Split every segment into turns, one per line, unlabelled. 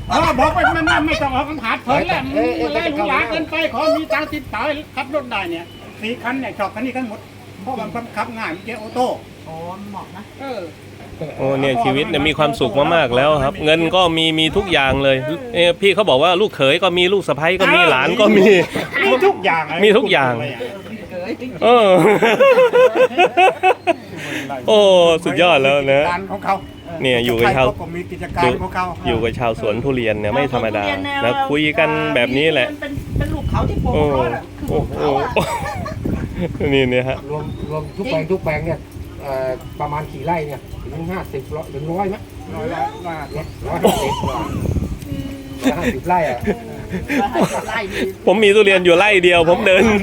บอกไปมันไม่ต้องออกคำถามเพิ่นแหละอะไรหรูหราเกินไปขอมีตังค์ติดต่อขับรถได้เนี่ย4 คันเนี่ยชอบคันนี้กันหมดเพราะมันขับง่ายมีเกียร์ออโต้
อ๋อเหมาะนะ
โอ้เนี่ยชีวิตเนี่ยมีความสุขมากๆแล้วครับเงินก็มีทุกอย่างเลยพี่เขาบอกว่าลูกเขยก็มีลูกสะใภ้ก็มีหลานก็มี
ทุกอย่าง
มีทุกอย่างโอ้สุดยอดแล้วนะ
ของเขา
เนี่ยอยู่กับชาว
อยู่
กับชาวสวนทุเรียนเนี่ยไม่ธรรมดานะคุยกันแบบนี้แหละ
เป็นลูกเขาที่โป่งโ
นี่เนี่ยฮะ
รวมทุกแปลงเนี่ยประมาณกี่ไร่เนี่ยถึง50ถึง100ไหม150 ไร่อ่ะ
ผมมีทุเรียนอยู่ไร่เดียวผมเดิน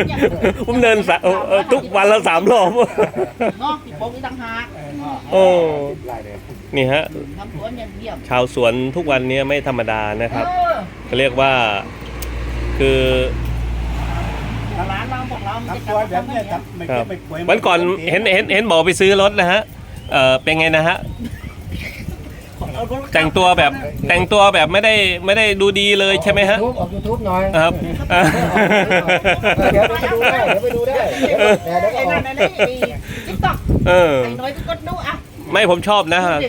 ทุกวันละ3 รอบ
เนาะที่โป่งอีกต่างหาก
โอ้นี่ฮะชาวสวนทุกวันนี้ไม่ธรรมดานะครับเขาเรียกว่าคือ
ร้านเราบอกเรา
แบบนี้
ครับวันก่อนเห็นบอกไปซื้อรถนะฮะเป็นไงนะฮะแต่งตัวแบบไม่ได้ดูดีเลยใช่ไหมฮะ
ออก YouTube หน่อย
ครับ
เดี๋ยวไปดูได้
ไอ้นั่นติ๊กต็อกไอ้น้อยก็ดูอ่ะ
ไม่ผมชอบนะฮะ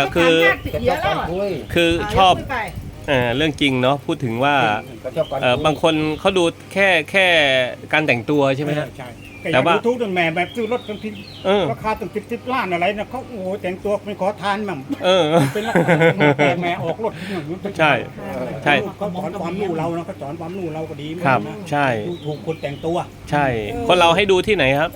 คือชอบเรื่องจริงเนาะพูดถึงว่าบางคนเขาดูแค่การแต่งตัวใช่ไหมฮะ
แต่ว่าทุกแม่แบบซื้อรถบางทีราคาตั้ง10 ล้านอะไรนะเขาโอ้แต่งตัวเป็นขอทานมั่งเป็นแม่ออกรถ
ใช่
เขาสอนความรู้เรานะเขาสอนความรู้เราก็ดี
ครับใช่
ถูกคนแต่งตัว
ใช่คนเราให้ดูที่ไหนครับ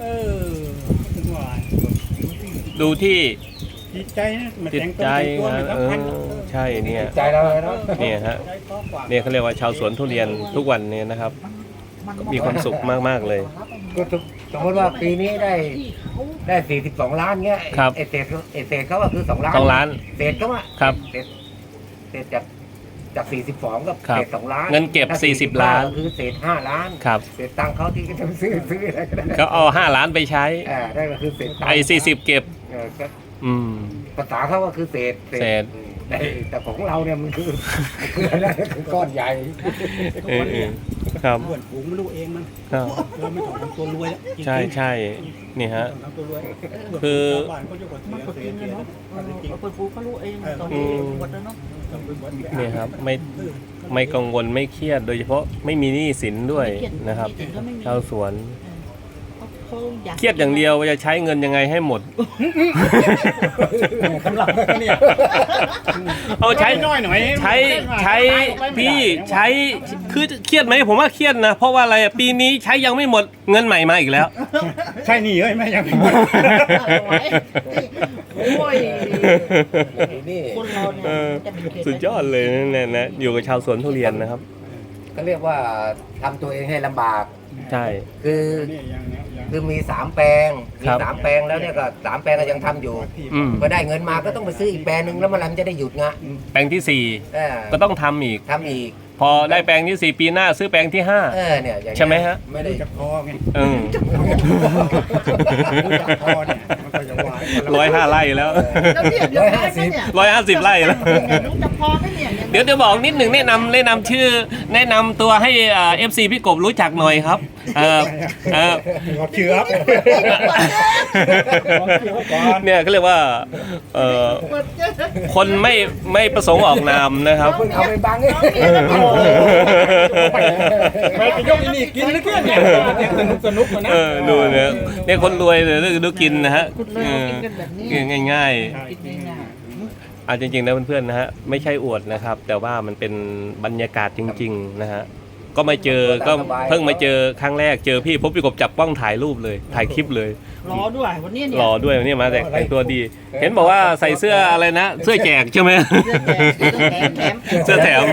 ดูที่
จิตใจนะ
จิตใจใช่เนี่ย
ใจเราเลยเนาะ
เนี่ยฮะเนี่ยเขาเรียกว่าชาวสวนทุเรียนทุกวันนี้นะครับมีความสุขมากๆเลย
ก็สมมติว่าปีนี้ได้42 ล้านเงี้ยเอเศษเขาก็คือ2 ล้านเศษเขาอะ
ครับ
เศษจาก42กับเศษ2 ล้าน
เงินเก็บ40 ล้าน
คือเศษ5 ล้าน
ครับ
เศษตังค์เขาที่จะซื้ออะไรก็ได้
ก็เอา5 ล้านไปใช้
ได้ก็คือเศษ
ไอ้40เก็บ
ภาษาเขาก็คือเศษแต่ของเราเนี่ยมันคืออะไรคือก้อนใหญ่
ครับ
เพื่อนฝูงไม่รู้เองมันเราไม่ต้องทำตัวรวย
ใช่นี่ฮะคือนี่ครับไม่กังวลไม่เครียดโดยเฉพาะไม่มีหนี้สินด้วยนะครับชาวสวนเครียดอย่างเดียวว่าจะใช้เงินยังไงให้หมดเอาใช้น้อยหน่อยใช้พี่ใช้คือเครียดไหมผมว่าเครียดนะเพราะว่าอะไรปีนี้ใช้ยังไม่หมดเงินใหม่มาอีกแล้ว
ใช่หนี้เอ้ยไม่ยังไม่หมด
โอ้ย
นี่
สุดยอดเลยนะอยู่กับชาวสวนทุเรียนนะครับ
ก็เรียกว่าทำตัวเองให้ลำบาก
ใช่
คือมี3 แปลง3 แปลงแล้วเนี่ยก็3 แปลงก็ยังทำอยู่พอได้เงินมาก็ต้องไปซื้ออีกแปลงนึงแล้วมันจะได้หยุดงะ
แปลงที่4ก็ต้องทำอีกพอได้แปลงที่4ปีหน้าซื้อแปลงที่5
เนี่ย
ใช่ไหมฮะ
ไม่ได้
จะพอไง
105 ไร่แล้ว150 ไร่แล้วเดี๋ยวบอกนิดหนึ่งแนะนำชื่อแนะนำตัวให้FC พี่กบรู้จักหน่อยครับ
เชื่อ
เนี่ยก็เรียกว่าคนไม่ประสงค์ออกนามนะครับ
เอาไปบัง
ไปยกนี่กินนึกเนี่ยสนุกนะ
ดูเนี่ยคนรวยเลยดูกินนะฮะง่ายจริงๆนะเพื่อนๆนะฮะไม่ใช่อวดนะครับแต่ว่ามันเป็นบรรยากาศจริงๆนะฮะก็มาเจอก็เพิ่งมาเจอครั้งแรกเจอพี่พบพี่กบจับกล้องถ่ายรูปเลยถ่ายคลิปเลย
รอด้วยวันนี้เนี่ย
รอด้วยวันนี้มาแต่งตัวดีเห็นบอกว่าใส่เสื้ออะไรนะเสื้อแจกใช่ไหมเสื้อแถม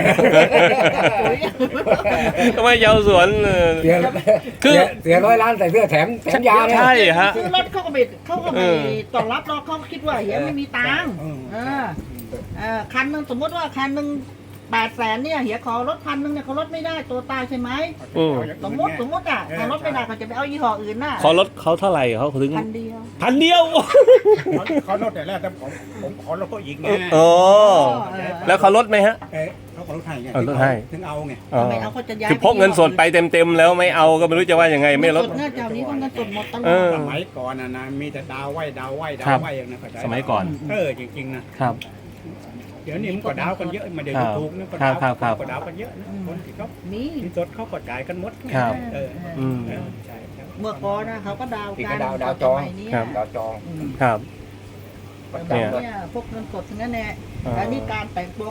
ทำไมชาวสวน
คือเสีย100 ล้านใส่เสื้อแถมยา
ใช่ฮะ
ซื้อรถเขาก็ไม่ต้อนรับเราเขาคิดว่าเฮ้ยไม่มีตังค์คันนึงสมมติว่าคันนึง 800,000เนี่ยเฮียขอรถ1,000เนี่ยเขาลดไม่ได้ตัวตายใช่ไหมสมมติอ่ะเขาลดไม่ได้เขาจะไปเอายี่ห้ออื่นน่ะ
ขอลดเขาเท่าไหร่เขาถึง
1,000
1,000 เดียว
เขาลดแต่แรกแต่ผมขอลดเขาอีกไง
โอ้แล้วเขาลดไหมฮะ
เขาขอลดให้ไง
ลดให้
ถึงเอาไง
อ๋อ
ไม่เอาเขาจะย้าย
คือพกเงินสดไปเต็มๆแล้วไม่เอาก็ไม่รู้จะว่ายังไงไม่ลด
เงินสดเนี่ยเจ้านี้เขาเงินสดหมดตล
เอ
อ
อ
ด
สมัยก่อนนะมีแต่ดาวไหวอย่างนั้นก็ได้
สมัยก่อน
จริงๆนะครับ เดี๋ยวนี้มันก็ดาวกันเยอะมาเดี๋ยวถูกนะก็ดาว
ครับ
ก็ดาวกันเยอะนะคนที่เขา
นี่
ที่สดเขาก็จ่ายกันหมด
ครับ
อืม
ใเมื่อก่อนนะเขาก็ดาว
ที่
กั
ก็
น
ดาวจอง
สมัยเนี้ย
ดาวจอง
ครับ
แต่แบบเนี่ยพวกเงินสดทั้งนั้นแหละ
อ๋ออั
อันนี้การแต่งตัว